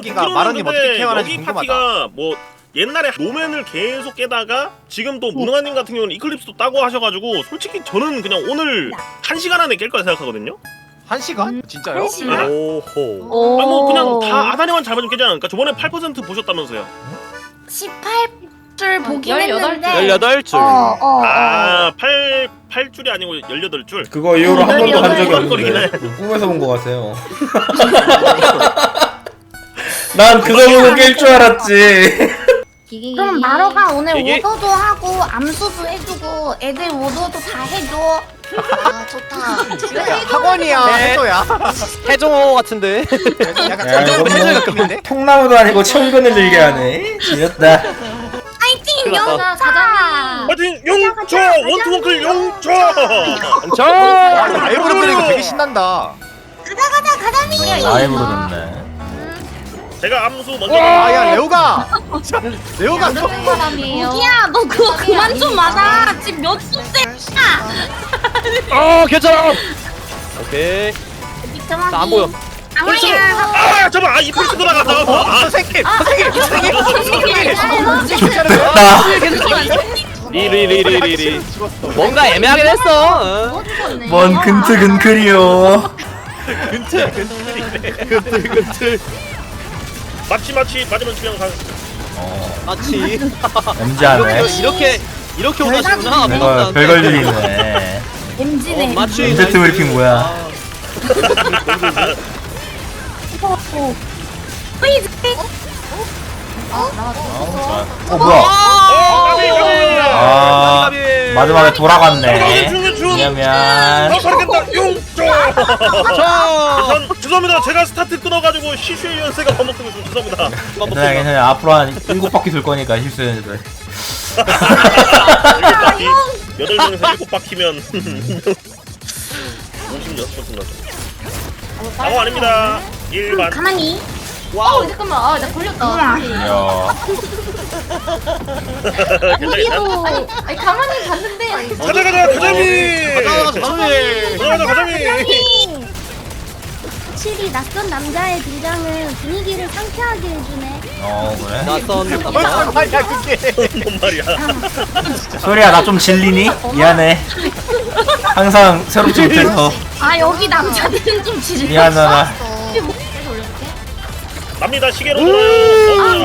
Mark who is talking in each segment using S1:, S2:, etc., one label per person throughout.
S1: 여기가 마른님 어떻게 케어하는지
S2: 여기
S1: 궁금하다.
S2: 파티가 뭐 옛날에 노맨을 계속 깨다가 지금 또 무능아님 같은 경우는 이클립스도 따고 하셔가지고 솔직히 저는 그냥 오늘 1시간 안에 깰 거라 생각하거든요.
S1: 1시간? 진짜요?
S3: 1시간?
S4: 오호.
S2: 아 뭐 그냥 다 아다리만 잘 맞으면 깨지 않을까? 저번에 8% 보셨다면서요.
S3: 18줄 보긴
S4: 18
S3: 했는데
S4: 18줄.
S2: 아 8줄이 아니고 18줄.
S5: 그거 이후로 한 번도 한 적이
S2: 깜깜거리긴 해.
S5: 없는데 꿈에서 본 것 같아요. 난 그거 보고 깰 줄 알았지.
S3: 그럼 마로가 오늘
S4: 이게-
S3: 오더도 하고 암수도 해주고 애들 오더도 다 해줘.
S6: 아 좋다.
S1: 학원이야
S4: 네.
S1: 해줘야.
S4: 해종호 같은데.
S1: 약간
S5: 야,
S1: 해줘
S5: 이거 뭐-
S1: 같은데?
S5: 통나무도 아니고 철근을 들게 하네. 지렸다.
S3: 파이팅
S4: 끝났다.
S3: 영차.
S2: 파이팅 용초 원투원클 용초.
S4: 저.
S1: 와 이거 라이브로 부르니까 되게 신난다.
S3: 가자 가자미.
S5: 라이브로 듣네.
S2: 제가 암수 먼저.
S1: 아야 레오가. 레오가 또.
S6: 사람이에요.
S3: 무기야 너 그거 그만 좀 맞아. 지금 몇 수째.
S4: 괜찮아. 오케이. 자, 안 보여.
S3: 아무리야.
S2: 아 잠깐 이 펄스 돌아갔다가 아
S1: 선생님 선생님.
S5: 나
S4: 리리리리리리. 뭔가 애매하게 됐어.
S5: 뭔 근틀근클이요.
S4: 근틀.
S2: 마치 맞으면 주영 가.
S4: 마치.
S5: MZ하네.
S4: 이렇게 오다시구나.
S5: 내가 별걸 일이네.
S3: MZ네.
S4: 마치.
S5: MZ 브리핑 뭐야?
S3: 프리즈.
S5: 뭐야?
S2: 아,
S5: 아 마지막에 돌아갔네.
S2: 중.
S5: 왜냐면
S2: 가르겠다 용초.
S4: 저.
S2: 전 죄송합니다. 제가 스타트 끊어가지고 시슈의 연세가 반복되고 있어서 죄송합니다.
S5: 괜찮아 괜찮아. 앞으로 한 7바퀴 돌 거니까 실수했는데.
S2: 8명에서 7바퀴면 56번 끝나죠. 아무 아닙니다. 일반.
S3: 가만히.
S4: 와우.
S6: 잠깐만. 아나 걸렸다.
S5: 이야.
S2: 괜찮아.
S6: 아니 가만히 봤는데.
S2: 가자 가자미. 가자미.
S3: 확실히 낯선 남자의 등장은 분위기를 상쾌하게 해주네.
S5: 그래?
S4: 낯선
S1: 벌써
S4: 남자.
S1: 말이야 그게.
S2: 뭔 말이야?
S5: 소리야 나 좀 질리니? 미안해. 항상 새롭지 못해서
S3: 아 여기 남자들은 좀 지르.
S5: 미안하다.
S2: 갑니다. 시계로 돌아요.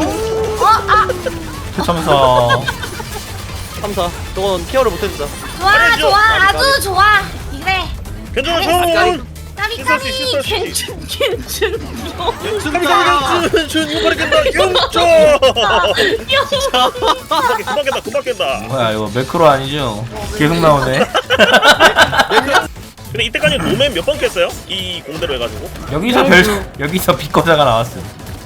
S5: 추첨서.
S4: 감사. 저건 케어를 못해준다.
S3: 좋아 좋아 아주 좋아. 이래.
S2: 괜찮아 전.
S3: 까비까비 괜춘.
S2: 준 이거 깬다 용초. 금방 깬다.
S5: 뭐야 이거 매크로 아니죠? 계속 나오네.
S2: 근데 이때까지 노맨 몇 번 깼어요? 이 공대로 해가지고.
S5: 여기서 비거자가 나왔어.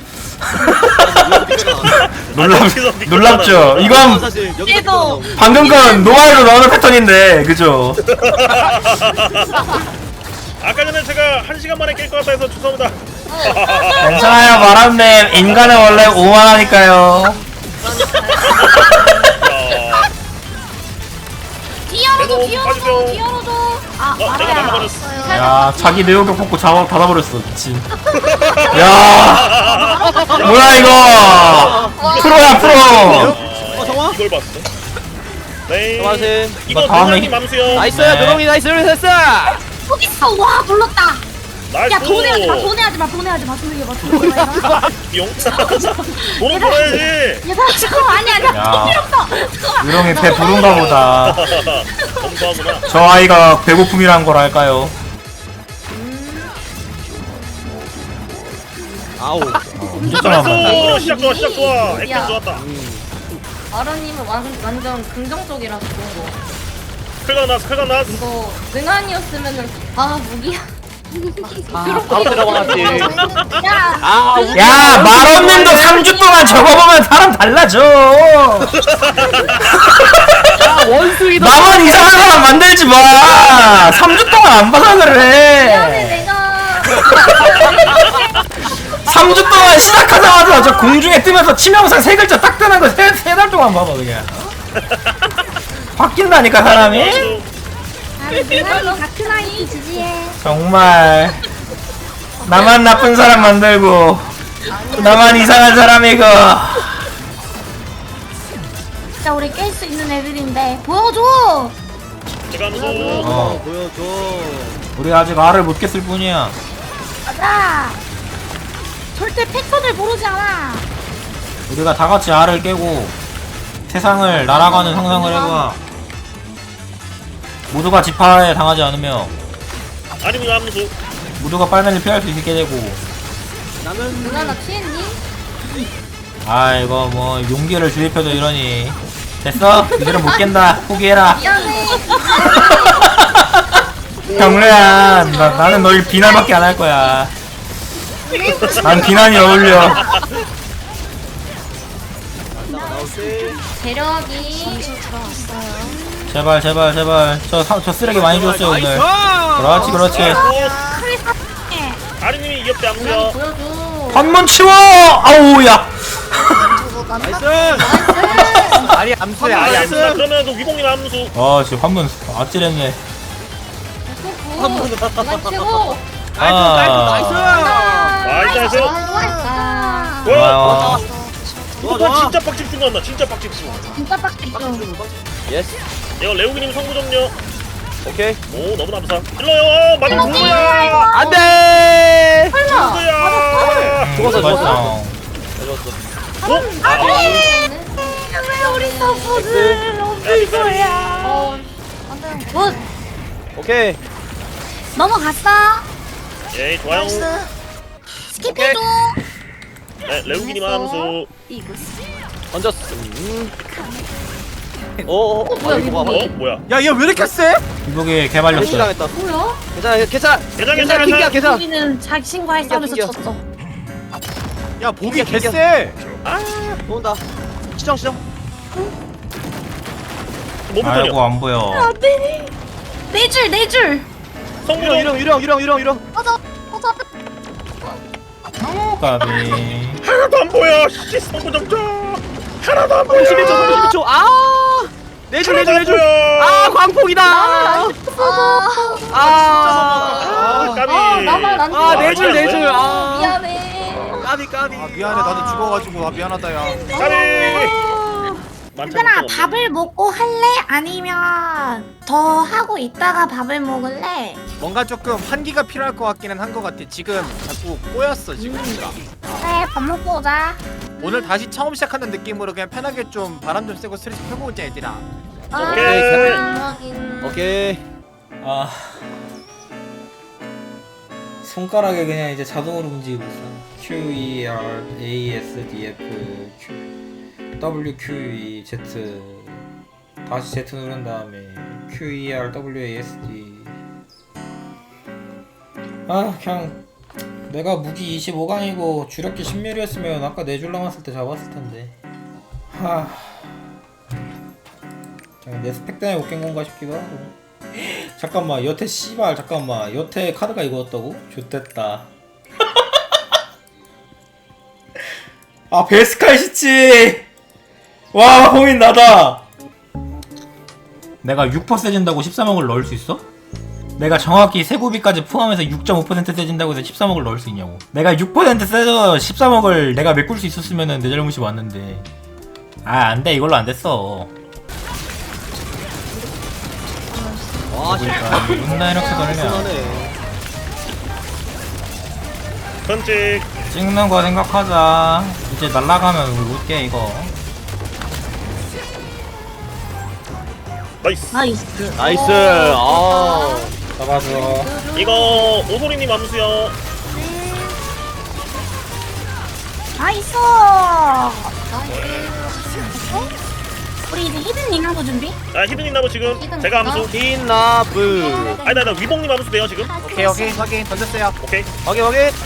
S2: 여기서
S5: 놀랍죠? 이건
S4: 사실
S3: 얘도.
S5: 방금 건 노아이로 나오는 패턴인데 그죠?
S2: 아까 전에 제가 1시간 만에 깰 것 같다 해서 죄송합니다.
S5: 괜찮아요 마람님 인간은 원래 오만하니까요.
S3: 뒤열어줘
S2: 빠지죠.
S3: 뒤열어줘. 아
S2: 내가
S3: 말아야.
S2: 넘어버렸어.
S5: 야 자기 내용격 뽑고 자막 닫아버렸어 미친. 야 뭐야 이거 프로야 프로.
S4: 정화?
S2: 이걸 봤어. 네.
S4: 정화신.
S2: 이거
S5: 다음에
S2: 노랑이 맘수요.
S4: 나이스.
S5: 네.
S4: 노동이 나이스. 됐어.
S3: 여기 있어. 와 불렀다.
S2: 나이스.
S3: 야 돈해하지 마 소리해 봐.
S2: 용. 돈은 벌어야지.
S3: 얘들아 잠깐만 아니야
S5: 야.
S3: 필요 없어.
S5: 유령이 배 부른가 보다.
S2: 검소하구나.
S5: 저 아이가 배고픔이란 걸 알까요?
S4: 아우.
S2: 잘했어. 시작 좋아. 액션
S6: 야.
S2: 좋았다.
S6: 아라님은 완전 긍정적이라서 좋은 거.
S2: 클가 나스.
S6: 이거 능한이었으면은 아 무기야.
S4: 바로 들어가지.
S3: 야
S5: 야 말없는도 3주 동안 적어보면 사람 달라져.
S4: 야 원숭이도.
S5: 나만 이상한 사람 만들지 마. 3주 동안 안 봐서 그래.
S3: 내가
S5: 3주 동안 시작하자마자 저 공중에 뜨면서 치명상 3글자 딱 뜨는 거 3달 동안 봐봐 그냥. 바뀐다니까 사람이.
S3: 능한이 다크나이 지지해.
S5: 정말 나만 나쁜 사람 만들고 나만 이상한 사람이고.
S3: 진짜 우리 깰 수 있는 애들인데 보여줘.
S2: 제가 함수.
S4: 보여줘.
S5: 우리 아직 알을 못 깼을 뿐이야.
S3: 가자. 절대 패턴을 모르지 않아.
S5: 우리가 다 같이 알을 깨고 세상을 날아가는 상상을 해봐. 모두가 지파에 당하지 않으며
S2: 아닙니다 함수.
S5: 모두가 빨면을 피할 수 있게 되고.
S4: 나는
S6: 누나 나 취했니?
S5: 아 이거 뭐 용기를 주입해도 이러니. 됐어? 이대로 못 깬다. 포기해라.
S6: 미안해.
S5: 경례야, 나는 널 비난밖에 안 할 거야. 난 비난이 어울려.
S4: 나올 때.
S6: 재력이.
S5: 제발 제발 제발. 저 쓰레기 많이 줬어요 오늘. 그렇지 그렇지.
S2: 아리님이 이겼대 함수야.
S6: 누나 보여줘.
S5: 한번 치워. 아우야.
S4: 나이스.
S1: 아리 암수야 아리 암수.
S2: 알겠습니다. 그러면 그 위봉님 함수.
S5: 아 지금 한번 아찔했네.
S6: 누나 최고.
S4: 나이스.
S2: 나이스.
S6: 아,
S2: 와.
S4: 좋아,
S2: 와
S4: 좋아.
S2: 진짜 빡집 중간다. 진짜 빡집 중.
S3: 진짜 빡빡.
S4: 예스.
S2: 이거 레오기님 성부 점요.
S4: 오케이.
S2: 오 너무 감사. 찔러요. 맞은 누구야?
S4: 안돼.
S2: 누구야?
S4: 죽었어.
S5: 맞죠.
S4: 죽었어.
S2: 어? 아,
S3: 왜 우리 서포를 넘길 거야? 굿.
S4: 오케이.
S3: 넘어갔어.
S2: 예 좋아요.
S3: 스킵해줘.
S2: 네 레오기님 함수.
S4: 던졌어. 오.
S6: 뭐야, 이거
S2: 어 뭐야?
S1: 야얘 왜 이렇게 세?
S5: 이복이 개발렸어.
S4: 당했다.
S6: 뭐야?
S4: 괜찮아.
S2: 괜찮아, 괜찮아.
S4: 킹이야 괜찮아.
S3: 우리는 자신과의 싸움에서
S4: 튕겨.
S3: 졌어.
S1: 야 보기
S4: 튕겨, 튕겨.
S1: 개쎄.
S4: 온다. 시정.
S2: 뭐
S5: 아이고
S2: 불편이야?
S5: 안 보여.
S3: 안돼. 네 줄, 네 줄.
S2: 성부 점.
S4: 유령.
S3: 꺼져, 꺼져.
S5: 까비.
S2: 하나도 안 보여. 씨 성부 점점. 하나도 안 보여.
S4: 31초. 아. 내줄. 아 광폭이다. 아.
S2: 까비.
S6: 나만 안
S4: 아,
S6: 좋아.
S4: 내줄. 아.
S6: 미안해.
S4: 까비.
S1: 아 미안해 나도 죽어가지고 아 미안하다 야.
S2: 까비.
S3: 얘들아 밥을 먹고 할래? 아니면 더 하고 있다가 밥을 먹을래?
S1: 뭔가 조금 환기가 필요할 것 같기는 한 것 같아. 지금 자꾸 꼬였어 지금. 우리가.
S3: 그래 밥 먹고 오자.
S1: 오늘 다시 처음 시작하는 느낌으로 그냥 편하게 좀 바람 좀 쐬고 스트레스 펴고 오자 얘들아.
S2: 오케이.
S4: 오케이.
S5: 아 손가락에 그냥 이제 자동으로 움직이고 있어. Q E R A S D F Q W Q E Z 다시 Z 누른 다음에 Q E R W A S D. 아 그냥 내가 무기 25강이고 주력기 10mm였으면 아까 4줄 남았을 때 잡았을 텐데. 하 그냥 내 스펙 때문에 못 깬 건가 싶기도 하고. 잠깐만 여태 씨발 잠깐만 여태 카드가 이거였다고? 좋댔다. 아 베스칼 시치. 와 고민 나다. 내가 6% 세진다고 13억을 넣을 수 있어? 내가 정확히 세고비까지 포함해서 6.5% 세진다고 해서 13억을 넣을 수 있냐고. 내가 6% 세서 13억을 내가 메꿀 수 있었으면은 내 잘못이 맞는데. 아 안돼 이걸로 안 됐어.
S4: 와
S5: 그러니까 존나 이렇게 걸면
S4: 시원하네.
S2: 선직.
S5: 찍는 거 생각하자. 이제 날라가면 우리 올게 이거.
S2: 나이스.
S3: 나이스.
S4: 나이스. 아.
S5: 잡아줘.
S2: 이거 오소리님 암수요.
S3: 나이스. 우리 이제 히든 링하고 준비?
S2: 아 히든님 나무 지금 제가 암수.
S4: 빈나브.
S2: 아니 나 위봉님 암수 돼요 지금.
S1: 오케이 확인 던졌어요.
S2: 오케이.
S4: 확인.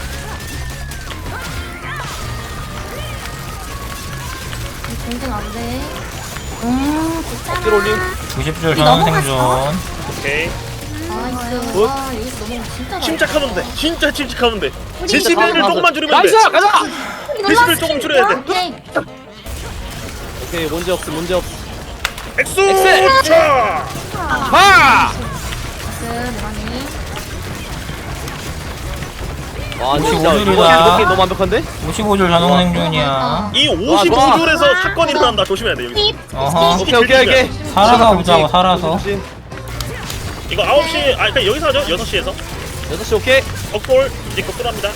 S6: 공증 안 돼.
S3: 괜찮아.
S4: 어깨 올림.
S5: 90줄 전원 생존.
S2: 오케이.
S6: 나이스. 와 여기서 넘어가면 진짜 잘해.
S2: 침착하면 돼. 진짜 침착하면 돼.
S6: 우리
S2: 데시벨을
S4: 가자.
S2: 조금만 줄이면 돼.
S4: 나이스. 가자.
S2: 데시벨 조금 줄여야 돼.
S6: 오케이.
S4: 오케이 문제 없어.
S2: 엑스.
S4: 엑스!
S2: 차.
S4: 파.
S6: 나이스. 대만이.
S4: 와 진짜
S5: 55줄이다.
S4: 이거 너무 완벽한데?
S5: 55줄 자동 생존이야.
S2: 이
S4: 좋아.
S2: 55줄에서 사건이 일어난다. 조심해야 돼 여기.
S5: 어허.
S4: 오케이.
S5: 살아서 보자고, 살아서.
S4: 조심.
S2: 이거 9시 아 그냥 여기서 하죠. 6시에서.
S4: 6시 오케이.
S2: 억골 이제 격돌합니다.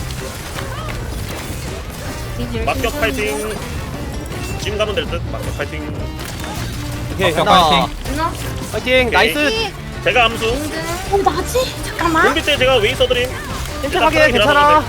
S2: 막격 파이팅. 지금 가면 될 듯. 막격 파이팅.
S4: 오케이
S5: 막격
S4: 간다.
S5: 파이팅.
S4: 파이팅 나이스.
S2: 제가 암수.
S3: 나지? 잠깐만.
S2: 공비 때 제가 웨이 써드림.
S4: 침착하게 괜찮아.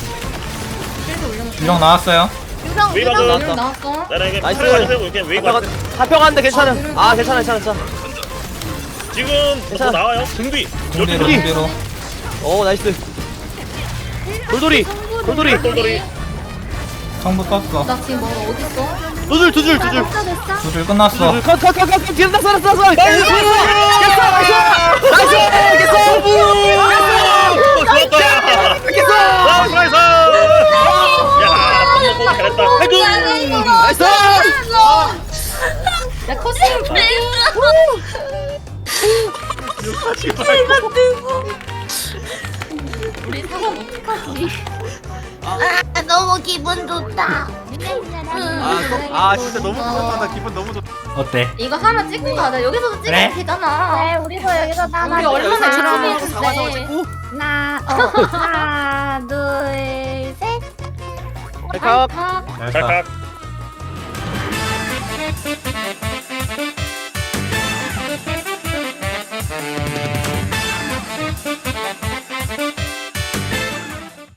S5: 유령 나왔어요.
S6: 유령
S2: 웨이
S6: 유령
S2: 박음.
S6: 유령 나왔어.
S2: 나에게
S4: 나이스.
S2: 팔아주세요. 그냥 웨이 가.
S4: 잡혀가는데 괜찮아. 아 괜찮아.
S2: 지금 뭐
S4: 괜찮아.
S2: 나와요. 등뒤.
S5: 공대로,
S2: 여기
S5: 공대로.
S4: 오 나이스. 돌돌이.
S2: 똘똘이.
S5: 성부 떴어.
S6: 나 지금 뭐 어디 있어?
S4: 두줄.
S6: 됐어 됐어.
S5: 두 줄 끝났어.
S4: 컷. 뒤로 났어. 나이스.
S2: 좋았다. 나이스. 야, 밥 먹고 잘했다. 해줘.
S4: 나이스.
S6: 야 커스텀 우리 사람 어떡하지?
S3: 아, 너무 기분 좋다.
S1: 아 진짜 너무 좋다. 나 기분 너무 좋다.
S5: 어때?
S6: 이거 하나 찍고 가자. 여기서도
S5: 그래?
S6: 찍으면 되잖아.
S3: 네, 우리도 여기서
S6: 우리 얼마나 열심히
S1: 사과사고
S6: 했는데.
S1: 찍고.
S3: 하나, 둘, 셋.
S4: 백합.
S2: 찰칵.